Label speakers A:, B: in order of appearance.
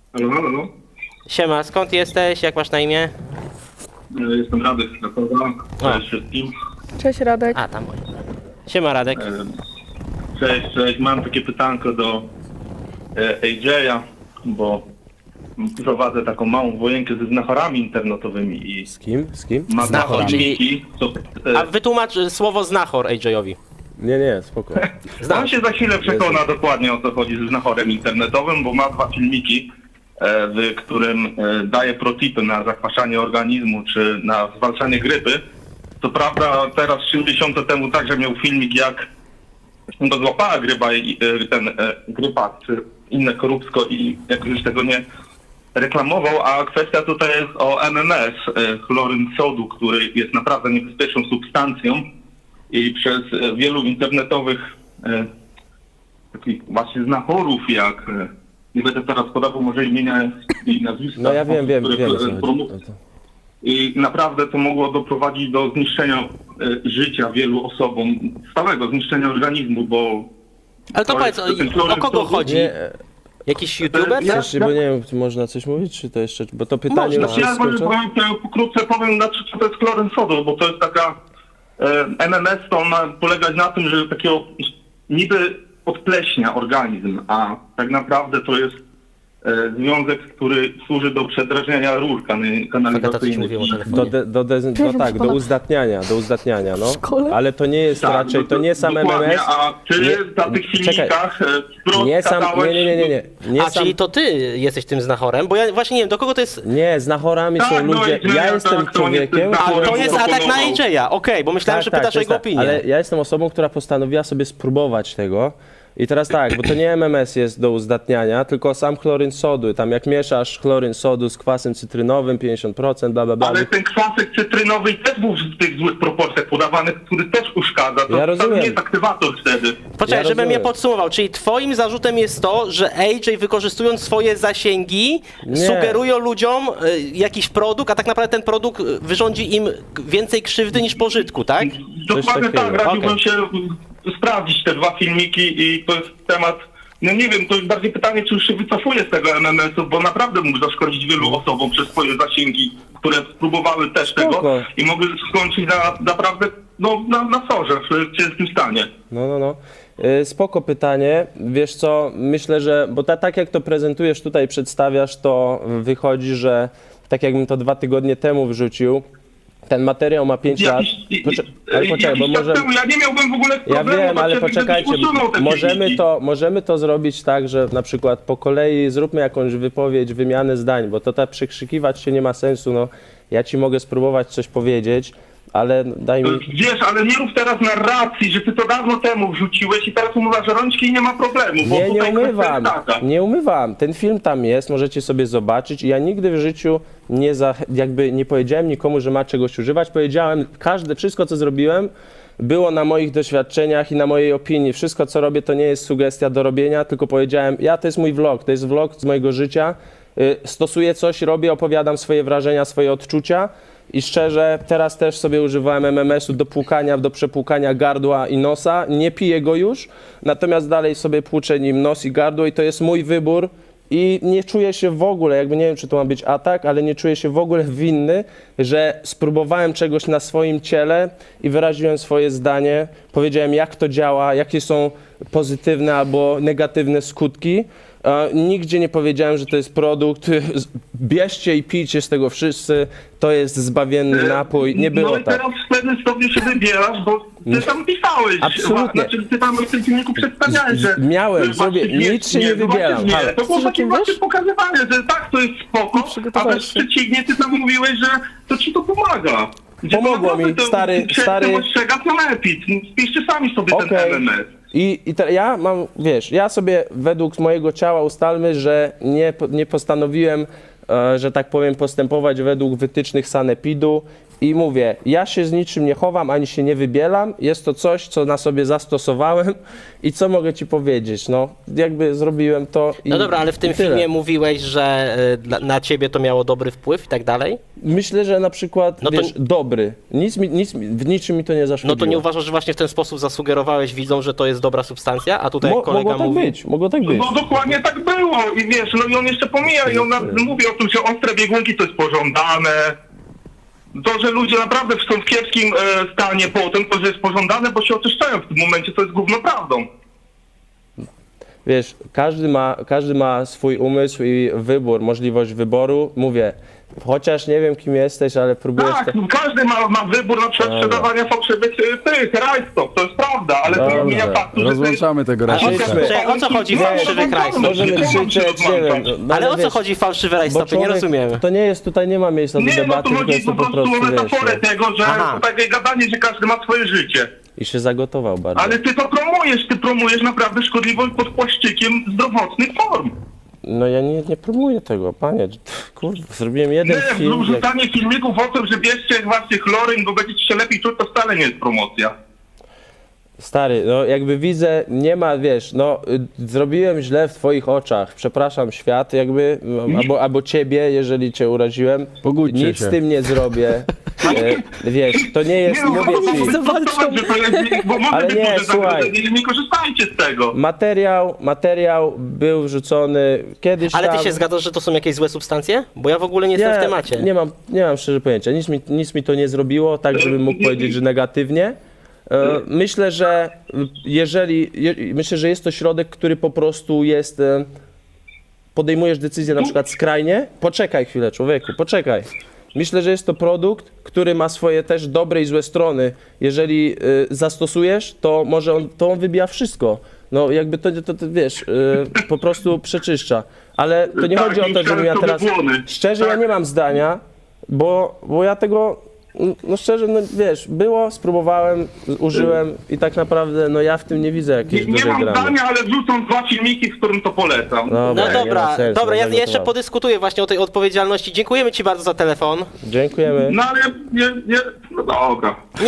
A: Halo, halo.
B: Siema, skąd jesteś? Jak masz na imię?
A: Jestem Radek z Krakowa. Cześć wszystkim.
C: Cześć Radek.
B: A, tam moje. Siema, Radek.
A: Cześć. Mam takie pytanko do AJ-a, bo prowadzę taką małą wojenkę ze znachorami internetowymi i
D: Z kim? Z kim?
A: mam
B: Znachor,
A: dwa filmiki, co,
B: A wytłumacz słowo znachor AJ-owi.
D: Nie, spoko.
A: on się za chwilę przekona dokładnie o co chodzi ze znachorem internetowym, bo ma dwa filmiki, w którym daje protipy na zakwaszanie organizmu czy na zwalczanie grypy. Co prawda teraz 3 miesiące temu także miał filmik, jak go złapała grypa, grypa czy inne korupsko i jakoś tego nie reklamował, a kwestia tutaj jest o MMS, chloryn sodu, który jest naprawdę niebezpieczną substancją i przez wielu internetowych takich właśnie znachorów, jak nie będę teraz podawał może imienia i nazwiska.
D: No ja wiem,
A: które
D: o co chodzi.
A: I naprawdę to mogło doprowadzić do zniszczenia życia wielu osobom, stałego zniszczenia organizmu, bo...
B: Ale to powiedz, o kogo chodzi?
D: Nie,
B: Jakiś youtuber?
A: Ja-
D: jeszcze, bo nie wiem, czy można coś mówić, czy to jeszcze, bo to pytanie
A: Można.
D: już
A: Ja
D: jest
A: może
D: skończone?
A: pokrótce powiem, co to jest chloryn sodu, bo to jest taka... MMS to ma polegać na tym, że takiego niby odpleśnia organizm, a tak naprawdę to jest związek, który służy do przedrażniania rur
B: Agata coś mówiła o
A: kanalizacyjnych.
B: telefonie.
D: Do uzdatniania, no.
C: szkole?
D: Ale to nie jest raczej, to nie sam
A: dokładnie,
D: MMS.
A: A ty
D: Nie-
A: na tych
D: czekaj.
A: filmikach wprost
D: Nie sam,
A: gadałeś...
D: nie
B: A,
D: sam,
B: czyli to ty jesteś tym znachorem? Bo ja właśnie nie wiem, do kogo to jest...
D: nie, z nachorami
A: Tak,
D: są
A: no
D: ludzie,
A: i
D: ja
A: tak,
D: jestem
A: to on jest
D: człowiekiem,
A: znachorem.
B: A, to jest atak na
A: proponował.
B: AJ-a, okej, bo myślałem, że pytasz
D: to
B: o
D: jest
B: jego
D: tak,
B: opinię.
D: ale ja jestem osobą, która postanowiła sobie spróbować tego. I teraz tak, bo to nie MMS jest do uzdatniania, tylko sam chloryn sodu. Tam jak mieszasz chloryn sodu z kwasem cytrynowym, 50%, bla, bla, bla.
A: Ale ten kwasek cytrynowy też był w tych złych proporcjach podawanych, który też uszkadza. To
D: Ja rozumiem.
A: nie jest aktywator wtedy.
B: Poczekaj,
D: Ja
B: żebym
D: rozumiem.
B: je podsumował. Czyli twoim zarzutem jest to, że AJ wykorzystując swoje zasięgi
D: Nie.
B: sugerują ludziom jakiś produkt, a tak naprawdę ten produkt wyrządzi im więcej krzywdy niż pożytku, tak?
A: Dokładnie
D: takiego.
A: tak, radziłbym
B: Okej.
A: się sprawdzić te dwa filmiki i to jest temat, no nie wiem, to jest bardziej pytanie, czy już się wycofuje z tego MMS-u, bo naprawdę mógł zaszkodzić wielu osobom przez swoje zasięgi, które spróbowały też
D: Spoko.
A: tego i mogły skończyć naprawdę na sorze, w ciężkim stanie.
D: No. Spoko pytanie. Wiesz co, myślę, że, bo tak jak to prezentujesz tutaj, przedstawiasz, to wychodzi, że tak jakbym to 2 tygodnie temu wrzucił, ten materiał ma 5 lat. Ale poczekaj, bo
A: jakiś czas
D: może...
A: temu ja nie miałbym w ogóle
D: Ja
A: problemu,
D: wiem, ale
A: gdybyś
D: poczekajcie,
A: usunął te filmiki.
D: możemy to zrobić tak, że na przykład po kolei zróbmy jakąś wypowiedź, wymianę zdań, bo to tak przekrzykiwać się nie ma sensu, no ja ci mogę spróbować coś powiedzieć, ale daj mi...
A: Wiesz, ale nie rób teraz narracji, że ty to dawno temu wrzuciłeś i teraz umywasz rączki i nie ma problemu. Bo
D: Nie
A: tutaj
D: umywam,
A: kwestia jest taka.
D: nie umywam. Ten film tam jest, możecie sobie zobaczyć. Ja nigdy w życiu nie powiedziałem nikomu, że ma czegoś używać. Powiedziałem, wszystko co zrobiłem było na moich doświadczeniach i na mojej opinii. Wszystko co robię to nie jest sugestia do robienia, tylko powiedziałem, to jest mój vlog, to jest vlog z mojego życia. Stosuję coś, robię, opowiadam swoje wrażenia, swoje odczucia. I szczerze, teraz też sobie używałem MMS-u do płukania, do przepłukania gardła i nosa. Nie piję go już, natomiast dalej sobie płuczę nim nos i gardło i to jest mój wybór. I nie czuję się w ogóle, jakby nie wiem, czy to ma być atak, ale nie czuję się w ogóle winny, że spróbowałem czegoś na swoim ciele i wyraziłem swoje zdanie. Powiedziałem, jak to działa, jakie są pozytywne albo negatywne skutki. Nigdzie nie powiedziałem, że to jest produkt, bierzcie i pijcie z tego wszyscy, to jest zbawienny napój, nie było
A: No i
D: tak.
A: teraz w pewnym stopniu się wybierasz, bo ty tam pisałeś.
D: Absolutnie.
A: Znaczy ty tam w tym filmiku przedstawiałeś, że...
D: Miałem,
A: że
D: zrobię,
A: właściwie
D: nic się nie wybieram.
A: Nie,
D: Ale
A: to było takie właśnie pokazywanie, że tak, to jest spoko, a
C: przygotowałeś
A: wręcz
C: się.
A: przeciwnie, ty tam mówiłeś, że to ci to pomaga. Gdzie
D: Pomogło
A: to
D: mi,
A: naprawdę
D: stary-
A: ostrzega sanepid. Spiszcie sami sobie ten
D: Okej.
A: MMS.
D: Ja mam, wiesz, ja sobie według mojego ciała ustalmy, że nie postanowiłem, że tak powiem, postępować według wytycznych sanepidu I mówię, ja się z niczym nie chowam, ani się nie wybielam. Jest to coś, co na sobie zastosowałem i co mogę ci powiedzieć. No, jakby zrobiłem to i
B: No dobra, ale w tym
D: i tyle.
B: filmie mówiłeś, że na ciebie to miało dobry wpływ i tak dalej.
D: Myślę, że na przykład,
B: No to-
D: wiesz, dobry. W niczym mi to nie
B: No
D: zaszkodziło.
B: to nie uważasz, że właśnie w ten sposób zasugerowałeś widzom, że to jest dobra substancja, a tutaj jak kolega
D: Mogło tak
B: mówi...
D: być, mogło tak być.
A: No dokładnie tak było i wiesz, no i on jeszcze pomija i on mówi o tym, że ostre biegunki to jest pożądane. To, że ludzie naprawdę są w kiepskim stanie potem, to, że jest pożądane, bo się oczyszczają w tym momencie, to jest gówno prawdą.
D: Wiesz, każdy ma swój umysł i wybór, możliwość wyboru. Mówię, chociaż nie wiem, kim jesteś, ale próbujesz...
A: Tak, każdy ma wybór na przykład sprzedawania fałszywych rajstop, to jest prawda, ale to nie
D: Dobrze.
A: zmienia faktu, że
C: Rozłączamy tego
B: Ale
C: rajstopka.
B: o co chodzi w fałszywych rajstopach?
D: Możemy krzyczeć, nie wiem. No,
B: Ale o co
D: wiesz,
B: chodzi w fałszywe
D: bo
B: rajstopy? Nie
D: człowiek-
B: rozumiem.
D: To nie jest, tutaj nie ma miejsca do
A: Nie, no
D: debaty,
A: to
D: tylko
A: chodzi
D: jest to
A: po prostu o
D: wiesz,
A: metaforę
D: no.
A: tego, że
B: Aha.
A: to takie gadanie, że każdy ma swoje życie.
D: I się zagotował bardzo.
A: Ale ty to promujesz naprawdę szkodliwość pod płaszczykiem zdrowotnych form.
D: No ja nie promuję tego, panie. Kurde, zrobiłem jeden
A: Nie,
D: film. Jak...
A: wrzucanie filmików o tym, że bierzcie właśnie chloryn, bo będziecie się lepiej czuć, to wcale nie jest promocja.
D: Stary, no jakby widzę, nie ma, wiesz, no zrobiłem źle w twoich oczach, przepraszam świat, jakby, albo ciebie, jeżeli cię uraziłem,
C: Pogódźcie
D: nic
C: się.
D: z tym nie zrobię, wiesz, to nie jest,
A: no,
D: mówię ci,
A: że to jest, bo może
D: Ale
A: być
D: nie,
A: duże
D: słuchaj.
A: zagrożenie, nie korzystajcie z tego.
D: materiał był wrzucony kiedyś
B: Ale ty
D: tam.
B: się zgadzasz, że to są jakieś złe substancje? Bo ja w ogóle nie jestem w temacie.
D: Nie mam szczerze pojęcia, nic mi to nie zrobiło, tak żebym mógł powiedzieć, że negatywnie. Myślę, że myślę, że jest to środek, który po prostu jest, podejmujesz decyzję na przykład skrajnie, poczekaj chwilę człowieku, poczekaj. Myślę, że jest to produkt, który ma swoje też dobre i złe strony. Jeżeli zastosujesz, to może on wybija wszystko. No jakby to wiesz, po prostu przeczyszcza. Ale to nie
A: Tak,
D: chodzi o to, żebym ja
A: sobie
D: teraz...
A: błony.
D: Szczerze, ja
A: Tak.
D: nie mam zdania, bo ja tego... No szczerze, no wiesz, spróbowałem, użyłem i tak naprawdę, no ja w tym nie widzę jakiejś
A: Nie
D: dużej
A: mam
D: dramy.
A: zdania, ale wrzucą 2 filmiki, w którym to polecam.
B: No
D: nie ma
B: dobra,
D: sensu,
B: dobra, ja
D: zagotowałem.
B: jeszcze podyskutuję właśnie o tej odpowiedzialności. Dziękujemy ci bardzo za telefon.
D: Dziękujemy.
A: No ale no dobra.